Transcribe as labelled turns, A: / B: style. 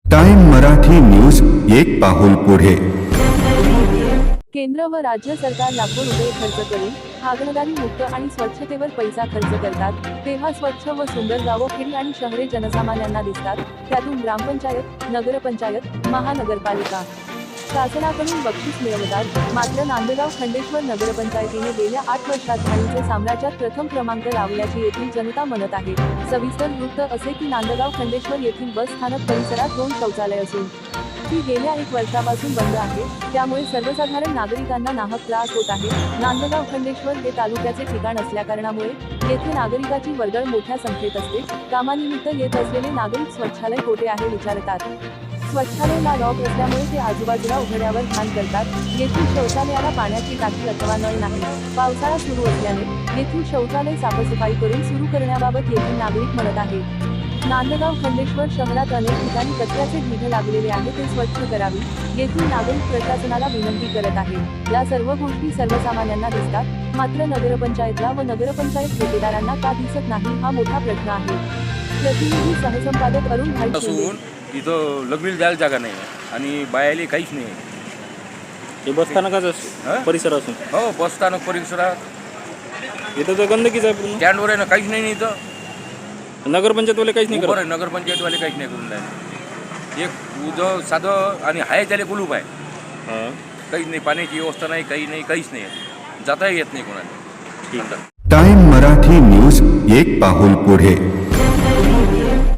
A: Time Marathi news एक पाऊल पुढे।
B: केंद्र व राज्य सरकार लाखो रुपये खर्च करून हागणदारी मुक्त आणि स्वच्छतेवर पैसा खर्च करतात, तेव्हा स्वच्छ व सुंदर गावो खेडी आणि शहरे जनसामान्यांना दिसतात। त्यातून ग्रामपंचायत, नगरपंचायत, महानगरपालिका शासनाकडून बक्षीस मिळवतात। मात्र नांदगाव खंडेश्वर नगरपंचायतीने गेल्या 8 वर्षात घाणीचे साम्राज्यात प्रथम क्रमांक लावल्याची येथील जनता म्हणत आहे। सविस्तर वृत्त असे की नांदगाव खंडेश्वर येथील बस स्थानक परिसरात 2 शौचालय असून ती गेल्या 1 वर्षापासून बंद आहे, त्यामुळे सर्वसाधारण नागरिकांना नाहक त्रास होत आहे। नांदगाव खंडेश्वर हे तालुक्याचे ठिकाण असल्याकारणामुळे येथे नागरिकाची वर्दळ मोठ्या संख्येत असते। कामानिमित्त येत असलेले नागरिक स्वच्छालय कोठे आहे विचारतात। स्वच्छालयाला लॉक असल्यामुळे ते आजूबाजूला उघड्यावर घाण करतात। येथील शौचालयाला पाण्याची टाकी अथवा नळ नाही। पावसाळा सुरू असल्याने येथील शौचालय साफसफाई करून सुरू करण्याबाबत येथील नागरिक म्हणत आहे। नांदगाव खंडेश्वर शहरात अनेक ठिकाणी कचऱ्याचे ढीग लागलेले आहे, ते स्वच्छ करावी येथील नागरिक प्रशासनाला विनंती करत आहे। या सर्व गोष्टी सर्वसामान्यांना दिसतात, मात्र नगरपंचायतला व नगरपंचायत ठेकेदारांना का दिसत नाही हा मोठा प्रश्न आहे। प्रतिनिधी सहसंपादक अरुण भाई शिंदे।
C: इथं लग्न द्यायला जागा नाही आणि बायाले काहीच नाही।
D: हे बसस्थानकाचं परिसर असून
C: हो, बसस्थानक परिसरात
D: इथं तर गंदकीच आहे पूर्ण।
C: स्टँडवर आहे ना, काहीच नाही इथं।
D: नगरपंचायतवाले काहीच नाही करत।
C: बरं, नगरपंचायतवाले काहीच नाही करून राहिले। एक उजं साधं आणि हाय त्याला कुलूप आहे, काहीच नाही, पाण्याची व्यवस्था नाही, काही नाही, काहीच नाही, जाता येत नाही कोणाला।
A: टाइम मराठी न्यूज एक पाऊल पुढे।